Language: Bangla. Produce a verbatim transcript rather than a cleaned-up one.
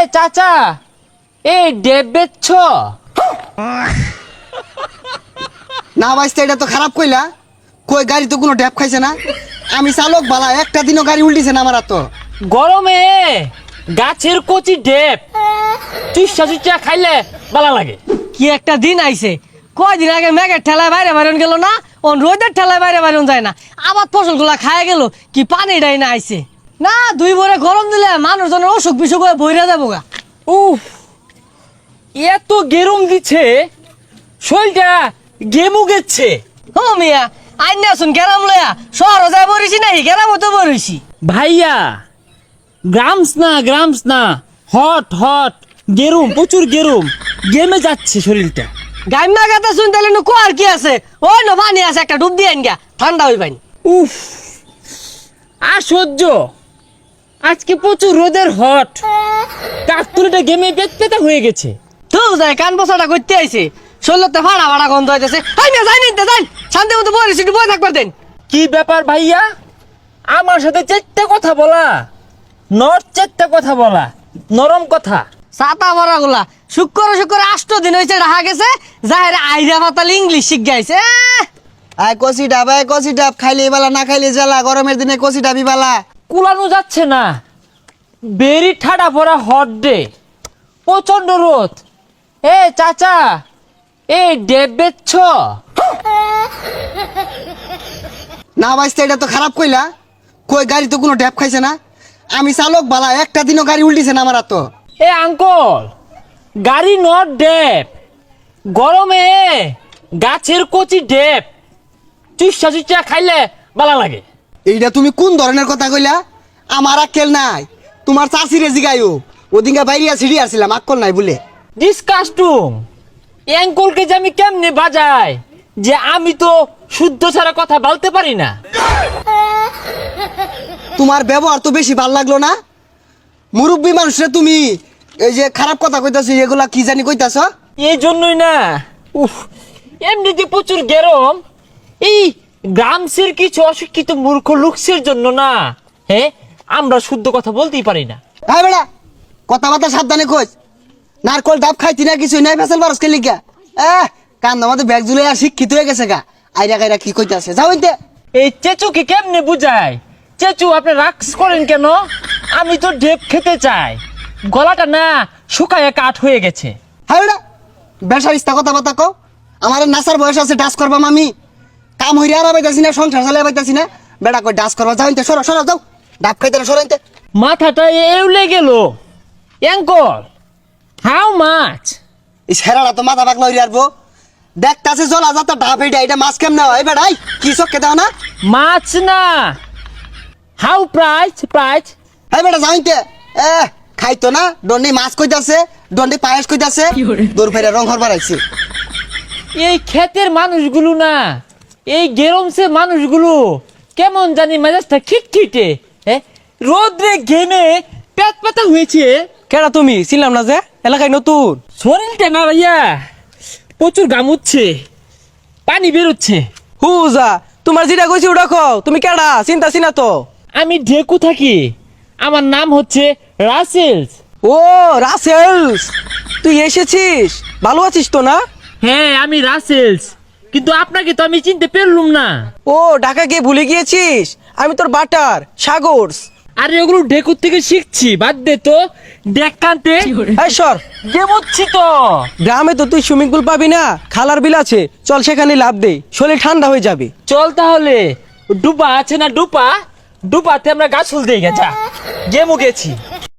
চাচা এই ডেব বেচছ? না বাইস্তা, এটা তো খারাপ কইলা। কই গাড়ি তো কোনো ড্যাপ খাইছে না। আমি চালক বালা, একটা দিনও গাড়ি উল্টিছে না আমার। তো গরমে গাছের কচি ডেব চুষা চুষা খাইলে ভালো লাগে। কি একটা দিন আইছে, কয়দিন আগে মেঘের ঠেলায় বাইরে বাইরন গেল না, ও রোদের ঠেলায় বাইরে বাইরন যায় না, আবার ফসলগুলা খায় গেল কি পানিটাই না আইছে না। দুই ভরে গরম দিলে মানুষজনের অসুখ বিসুখ হয়ে বইরা যাবো গা। উফ, এত গেরম দিচ্ছে, শরীরটা গেমু গেছে। ও মিয়া, আইন আসুন গেরাম লয়া শহর যায় বরিছি নাই, গেরাম তো বরিছি। ভাইয়া গ্রামস না গ্রামস না, হট হট গেরুম, প্রচুর গেরুম, গেমে যাচ্ছে শরীরটা। গাইমা গাতা শুন তাহলে নু কোয়ার কি আছে, ওই ন পানি আছে, একটা ডুব দিয়ে আইন গা, ঠান্ডা হই পানি। উফ, আর সহ্য, আজকে প্রচুর রোদের হট, কাকতুলিটা গেমে পেট পেতা হয়ে গেছে। তো যায় কান বসাটা করতে আইছে, শরীরতে ফাড়া ফাড়া গন্ধ হইতেছে। আই না যাই নিতে যাই, শান্তি মতো বরিছি, একটু বই থাকবার দেন। কি ব্যাপার ভাইয়া, আমার সাথে চারটা কথা বলা, নর চারটা কথা বলা, নরম কথা। ছাতা ভরা গুলা শুক্র শুক্র আষ্ট দিন হয়েছে রাখা গেছে, যাহের আইরা পাতাল ইংলিশ শিখ গাইছে। আয় কষি ডাব, আয় কষি ডাব, খাইলে বালা না খাইলে জ্বালা। গরমের দিনে কষি ডাবি বালা। কুলানো যাচ্ছে না, বেরি ঠাডা পড়া হট ডে, প্রচন্ড রোদ। এ চাচা এই ডেব বেচছ? না বাইস্তা, এটা তো খারাপ কইলা। কই গাড়ি তো কোনো ড্যাপ খাইছে না। আমি চালক বালা, একটা দিনও গাড়ি উল্টিছে না আমার। তো এ আঙ্কল, গাড়ি নট ডেব, গরমে গাছের কচি ডেব চুষা চুষা খাইলে ভালো লাগে। এইটা তুমি কোন ধরনের কথা কইলা? আমার আক্কেল নাই। তোমার চাষিরে জিগাইও, ওদিনকে বাইরিয়া ছিড়ি আসছিলাম, আক্কল নাই বলে। ডিসকাস্টুম, অ্যাঙ্কলকে যে আমি কেমনে বাজাই, যে আমি তো শুদ্ধ ছাড়া কথা বলতে পারি না। তোমার ব্যবহার তো বেশি ভাল লাগলো না। মুরব্বী মানুষরা তুমি এই যে খারাপ কথা কইতাছো, এগুলা কি জানি কইতাছ। এই জন্যই না, উফ, এমনিতে প্রচুর গরম, এই গ্রামসের কিছু অশিক্ষিত মূর্খ লোকসের জন্য না, হ্যাঁ আমরা শুদ্ধ কথা বলতেই পারি না। হ্যাঁ বেড়া, কথাবার্তা সাবধানে কইস। নারকল ডাব খাইতি না, কিছু নাই, ফেসাল বারস কে লিখা। এহ কান আমাদের ব্যাগ জুলে আর শিক্ষিত হয়ে গেছে গা। আইরা গাইরা কি কইতাছে, যাও ইনতে। এই চেচুকে কেমনে বুঝায়? চেচু আপনি রাক্স করেন কেন? আমি তো ডেপ খেতে চাই, গলাটা না শুকায় কাঠ হয়ে গেছে। হ্যাঁ বেড়া, বেসার ইস্তা কথাবার্তা কও। আমার নাসার বয়স আছে, ডাস করবাম আমি। কাম হইরে আর পাইতাছি না, সংসার চালাই পাইতাছি না, বেড়া কই ডাস করবা। যাও ইনতে, সরো সরো, যাও। ডাব খাইতে না, সরো ইনতে। মাথাটা এউলে গেল। Uncle, how much? এই ছেড়াটা তো মাথা পাকলা হইরে আসবো। দেখতাছে জলা যাতা ডাব, এইটা এটা মাছ কেমনে হয় বেড়াই? কি চক্কে দাও না? মাছ না, হাউ প্রাইস প্রাইস? হ্যাঁ বেটা, যাও ইনতে। এ খাইতো না, দন্ডি মাছ কইতাছে, দন্ডি পায়েস কইতাছে, দূর ফেরে রং হরবার আইছে। এই ক্ষেতের মানুষগুলো না, এই গেরমসে মানুষগুলো কেমন জানি মেজাজটা খিটখিটে, হ্যাঁ রোদ্রে ঘেমে পেট পাতা হয়েছে। কেডা তুমি? ছিলাম না যে এলাকায় নতুন। শরীরটা না ভাইয়া প্রচুর গামুচ্ছে, পানি বেরোচ্ছে। হুজা, তোমার যেটা কইছি ওটা কও। তুমি কেডা? চিন্তা চিনা তো। আমি ঢেকু থাকি, আমার নাম হচ্ছে রাসেলস। ও রাসেলস, তুই এসেছিস? ভালো আছিস তো না? হ্যাঁ আমি রাসেলস, কিন্তু আপনাকে তো আমি চিনতে পারলুম না। ও ঢাকা গিয়ে ভুলে গিয়েছিস? আমি তোর বাটার সাগরস। আরে ওগুলো ঢেকুর থেকে শিখছি, বাদ দে তো। দেখ কান্তে এই সর, গেমুচ্ছি তো। গ্রামে তো তুই সুইমিং পুল পাবি না, খালার বিল আছে, চল সেখানে লাভ দে, শরীর ঠান্ডা হয়ে যাবে। চল তাহলে, ডুবা আছে না ডুপা, ডুপাতে আমরা গাছ ফুল দিয়ে গেছা, গেমু গেছি।